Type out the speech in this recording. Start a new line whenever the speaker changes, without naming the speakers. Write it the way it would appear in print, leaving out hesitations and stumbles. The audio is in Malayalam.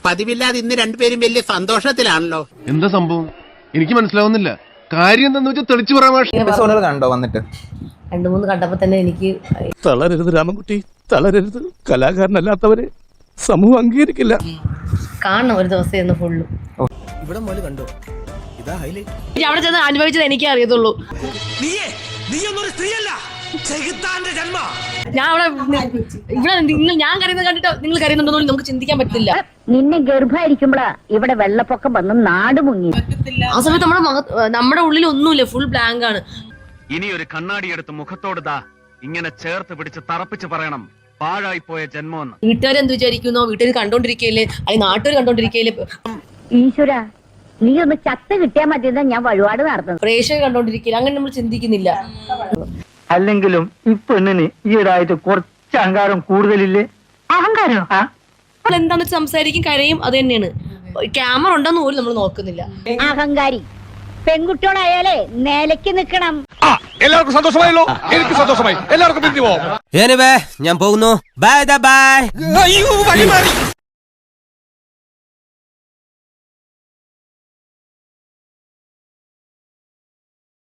പതിവില്ലാതെ ഇന്ന് രണ്ടുപേരും വലിയ സന്തോഷത്തിലാണല്ലോ.
എന്താ സംഭവം എനിക്ക് മനസ്സിലാവുന്നില്ല. കാര്യം എന്താന്ന് വെച്ചാൽ തെളിച്ചു പറയാൻ
കണ്ടോ വന്നിട്ട്
2-3 കണ്ടപ്പോ തന്നെ എനിക്ക്
തളരരുത് രാമൻകുട്ടി, തളരരുത്. കലാകാരനല്ലാത്തവരെ സമൂഹം അംഗീകരിക്കില്ല.
കാണണം ഒരു ദിവസം എന്ന് ഫുള്ള്.
ഇവിടെ മോല് കണ്ടോ, ഇതാ ഹൈലൈറ്റ്.
അവിടെ ചെന്ന് അനുഭവിച്ചത് എനിക്കേ അറിയത്തുള്ളൂ. ഞാൻ അവിടെ ഇവിടെ ഞാൻ കരയുന്നത് കണ്ടിട്ട് നിങ്ങൾ കരയുന്നുണ്ടോ നമുക്ക് ചിന്തിക്കാൻ പറ്റില്ല.
നിന്നെ ഗർഭായിരിക്കുമ്പോഴാ ഇവിടെ വെള്ളപ്പൊക്കം വന്ന് നാട് മുങ്ങി.
ആ സമയത്ത് നമ്മുടെ ഉള്ളിൽ ഒന്നുമില്ല, ഫുൾ ബ്ലാങ്ക് ആണ്.
ഇനി ഒരു കണ്ണാടി എടുത്ത് മുഖത്തോട് ദാ ഇങ്ങനെ ചേർത്ത് പിടിച്ച് തറപ്പിച്ച് പറയണം, പാഴായി പോയ ജന്മമെന്ന്.
വീട്ടുകാർ എന്ത് വിചാരിക്കുന്നോ, വീട്ടുകാർ കണ്ടോണ്ടിരിക്കയില്ലേ, അല്ലെങ്കിൽ നാട്ടുകാർ കണ്ടോണ്ടിരിക്കയില്ലേ.
ഈശ്വര, നീ ഒന്ന് ചത്ത് കിട്ടിയാൽ മതിയെന്നാ ഞാൻ വഴിപാട് നടത്തുന്നത്.
പ്രേക്ഷകർ കണ്ടോണ്ടിരിക്കില്ല, അങ്ങനെ നമ്മൾ ചിന്തിക്കുന്നില്ല.
അല്ലെങ്കിലും ഈ പെണ്ണിന് ഈയിടായിട്ട് കുറച്ച് അഹങ്കാരം കൂടുതലില്ലേ?
അഹങ്കാരോ?
നമ്മൾ എന്താണെന്ന് വെച്ചാൽ സംസാരിക്കും, കരയും, അത് തന്നെയാണ്. ക്യാമറ ഉണ്ടെന്ന് പോലും നമ്മൾ നോക്കുന്നില്ല.
അഹങ്കാരി പെൺകുട്ടികളായാലേ നിലയ്ക്ക് നിക്കണം.
എല്ലാവർക്കും സന്തോഷമായല്ലോ, എനിക്ക് സന്തോഷമായി. എല്ലാവർക്കും പിരിഞ്ഞു പോവാം.
ഞാൻ പോകുന്നു. Bye bye.
അയ്യോ, വഴി മാറി.